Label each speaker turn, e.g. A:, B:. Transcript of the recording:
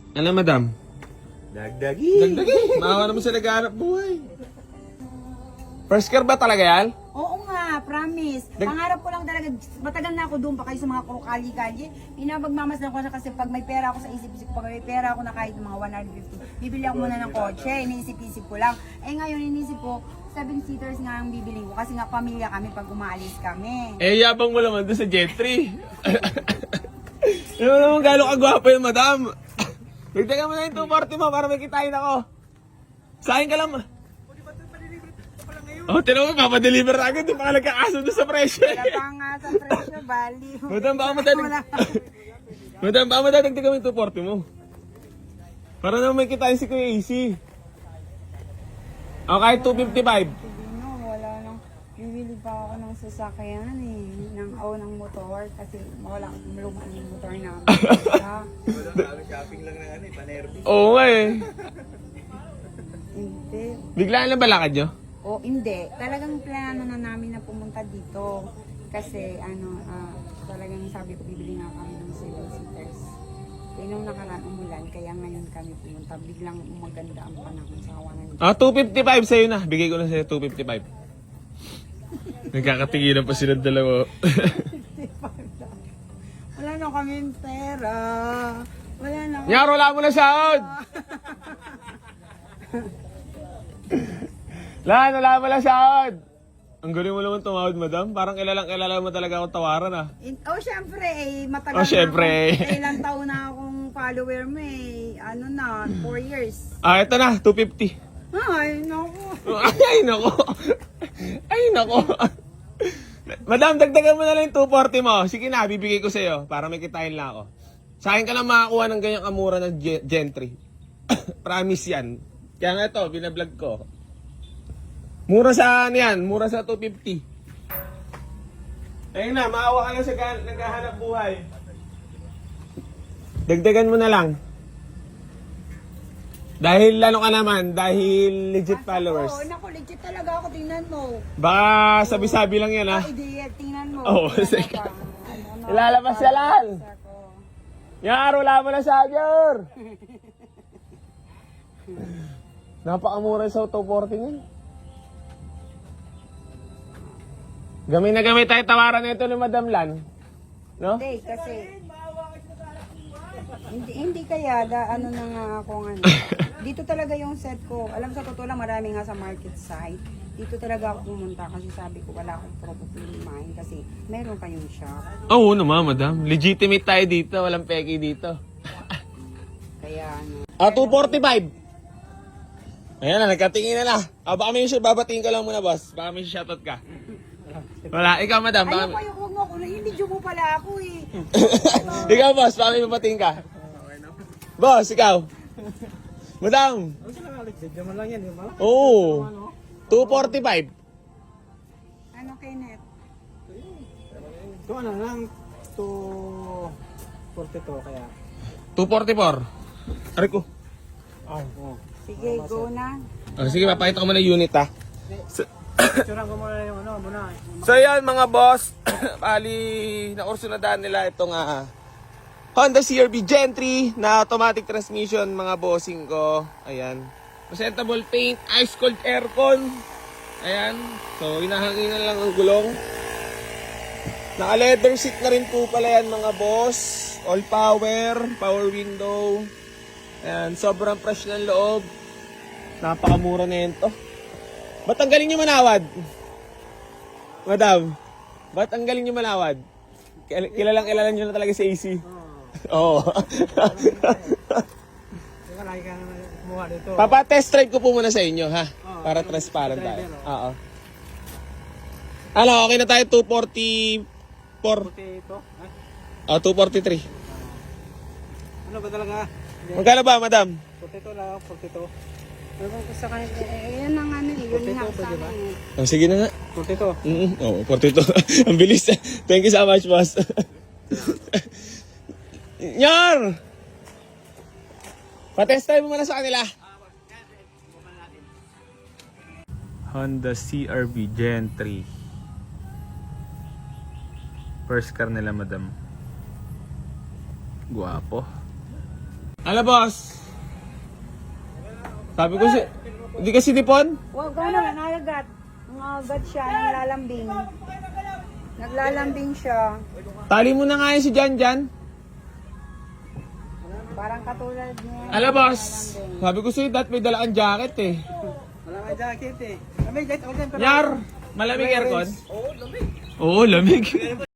A: Ano, madam?
B: Dagdagi.
A: Dagdagi. Maawa naman sa naghahanap buhay. First car ba talaga yan?
C: Oo nga, promise. Pangarap ko lang talaga, matagal na ako doon pa kayo sa mga kali-kali. Pinapagmamasdan ko na kasi pag may pera ako sa isip-isip, pag may pera ako na kahit mga 150, bibili ako muna ng kotse, iniisip-isip ko lang. Eh ngayon, iniisip ko, 7-seaters nga ang bibili ko kasi nga pamilya kami pag umaalis kami.
A: Eh, yabang mo naman doon sa Jetri. Ano naman gano'ng kagwapo yun, madam? Dagdagan mo na yung 240 mo para may kitain ako. Sa akin ka lang. Oh, tinawag mo, papadeliver na agad. Di pa ka nagkakaso doon sa presyo.
C: Wala pa nga sa presyo, bali.
A: Madam, baka Madam, baka madadagdagan mo yung 240 mo. Para naman may kitain si Kuya AC. O, kahit 255.
C: No, wala nang, bibili pa ako ng sasakyan ng motor kasi wala luma ng motor namin.
B: Shopping lang na panerbi.
A: Oo nga eh.
C: Hindi.
A: Biglaan lang balakad nyo?
C: O hindi, talagang plano na namin na pumunta dito kasi talagang sabi ko bibili nga kami ng 7-seaters. Kaya nung nakaraan umulan, kaya ngayon kami pumunta. Biglang maganda ang panahon sa kawanan.
A: Ah, 255 sa'yo na. Bigay ko na sa'yo 255. Nagkakatinginan pa silang dalawa.
C: Wala na kaming pera. Wala na.
A: Nyaro, wala mo na sahod! Wala mo na sahod! Ang galing mo naman tumawad, madam. Parang kilala mo talaga akong tawaran, ah.
C: Syempre, matagal
A: Oh, syempre.
C: na akong, ilang taon na akong follower mo eh. 4 years.
A: Ah, eto na, 250.
C: Ay, naku.
A: Ay, nako. Ay, nako. Madam, dagdagan mo na lang yung 240 mo. Sige na, bibigay ko sa'yo para may kitain lang ako. Sa akin ka lang makakuha ng ganyang kamura ng Gentry. Promise yan. Kaya nga ito, binablog ko. Mura sa ano yan, mura sa 250. Ayun na, maawa ka lang sa naghahanap buhay. Dagdagan mo na lang. Dahil ano ka naman, dahil legit followers.
C: Oo, naku, legit talaga ako. Tingnan mo.
A: Baka sabi-sabi lang yan, ha?
C: Hindi, tingnan mo.
A: Oo, sige. Ilalabas siya lang. Yaro, wala mo na sa agyar. Napakamura sa 240 niyan. Gamay na gamay tayo tawaran nito ni Madam Lan. No?
C: Hindi, kasi... Hindi kaya, ano na nga ako Dito talaga yung set ko. Alam sa totoo lang, marami nga sa market site. Dito talaga ako pumunta kasi sabi ko wala akong problemahin kasi meron kayong shop.
A: Oo naman, Madam. Legitimate tayo dito. Walang peki dito.
C: Kaya ano.
A: 245. Ayan na, nagkatingin na na. Baka may babatingin ka lang muna, boss. Baka may shoutout ka. Wala, ikaw, Madam.
C: Ayoko, huwag mo ako. Hindi mo pala ako eh.
A: Ikaw, boss. Baka may babatingin ka. Boss, ikaw. Madam.
B: Ano sila nga, video mo lang yan, di ba?
A: Oo. 245.
C: Ano, Kenneth?
B: Ito ano lang, 242 kaya.
A: 244. Aray ko.
B: Oo.
C: Sige, go na.
A: Sige, papakita ko muna yung unit, ha.
B: Picturean ko muna yung ano, muna.
A: So yan mga boss, bali nakursunadaan nila itong Honda CR-V Gen3 na automatic transmission mga bossing ko. Ayan. Presentable paint, ice cold aircon. Ayan. So hinahanginan lang ang gulong. Naka leather seat na rin po pala yan mga boss. All power, power window. Ayan, sobrang fresh ng loob. Napakamura na yun to. Ba't ang galing nyo manawad? Madam, ba't ang galing nyo manawad? Kilala nyo na talaga si AC. Oo.
B: Teka, lagi ka naman kumuha dito.
A: Papa-test drive ko po muna sa inyo, ha? Para transparent tayo. Oo. Ano, okay na tayo 244.
B: Puti ito.
A: 243.
B: Ano ba talaga?
A: Magkano ba, madam?
B: Puti ito lang, 42.
C: Ewan ko sa kanya. Yun ang ano eh. Yun nga sa akin eh.
A: Sige na nga.
B: Puti ito.
A: Oo, 42. Ang bilis. Thank you so much, boss. Nyar! Patest tayo muna sa kanila. Honda CR-V Gen 3. First car nila, madam. Guwapo. Ano, boss? Sabi ko si... Hindi kasi nipon?
C: Huwag ka naman, nalagat. Nangagat siya, naglalambing. Naglalambing siya.
A: Tali mo na nga yan si Jan.
C: Parang katulad niya.
A: Ano, boss? Sabi ko sa'yo, may dala kang jacket eh.
B: Wala nga jacket eh. Kami, jacket all time.
A: Yar, malamig aircon? Oo, lamig.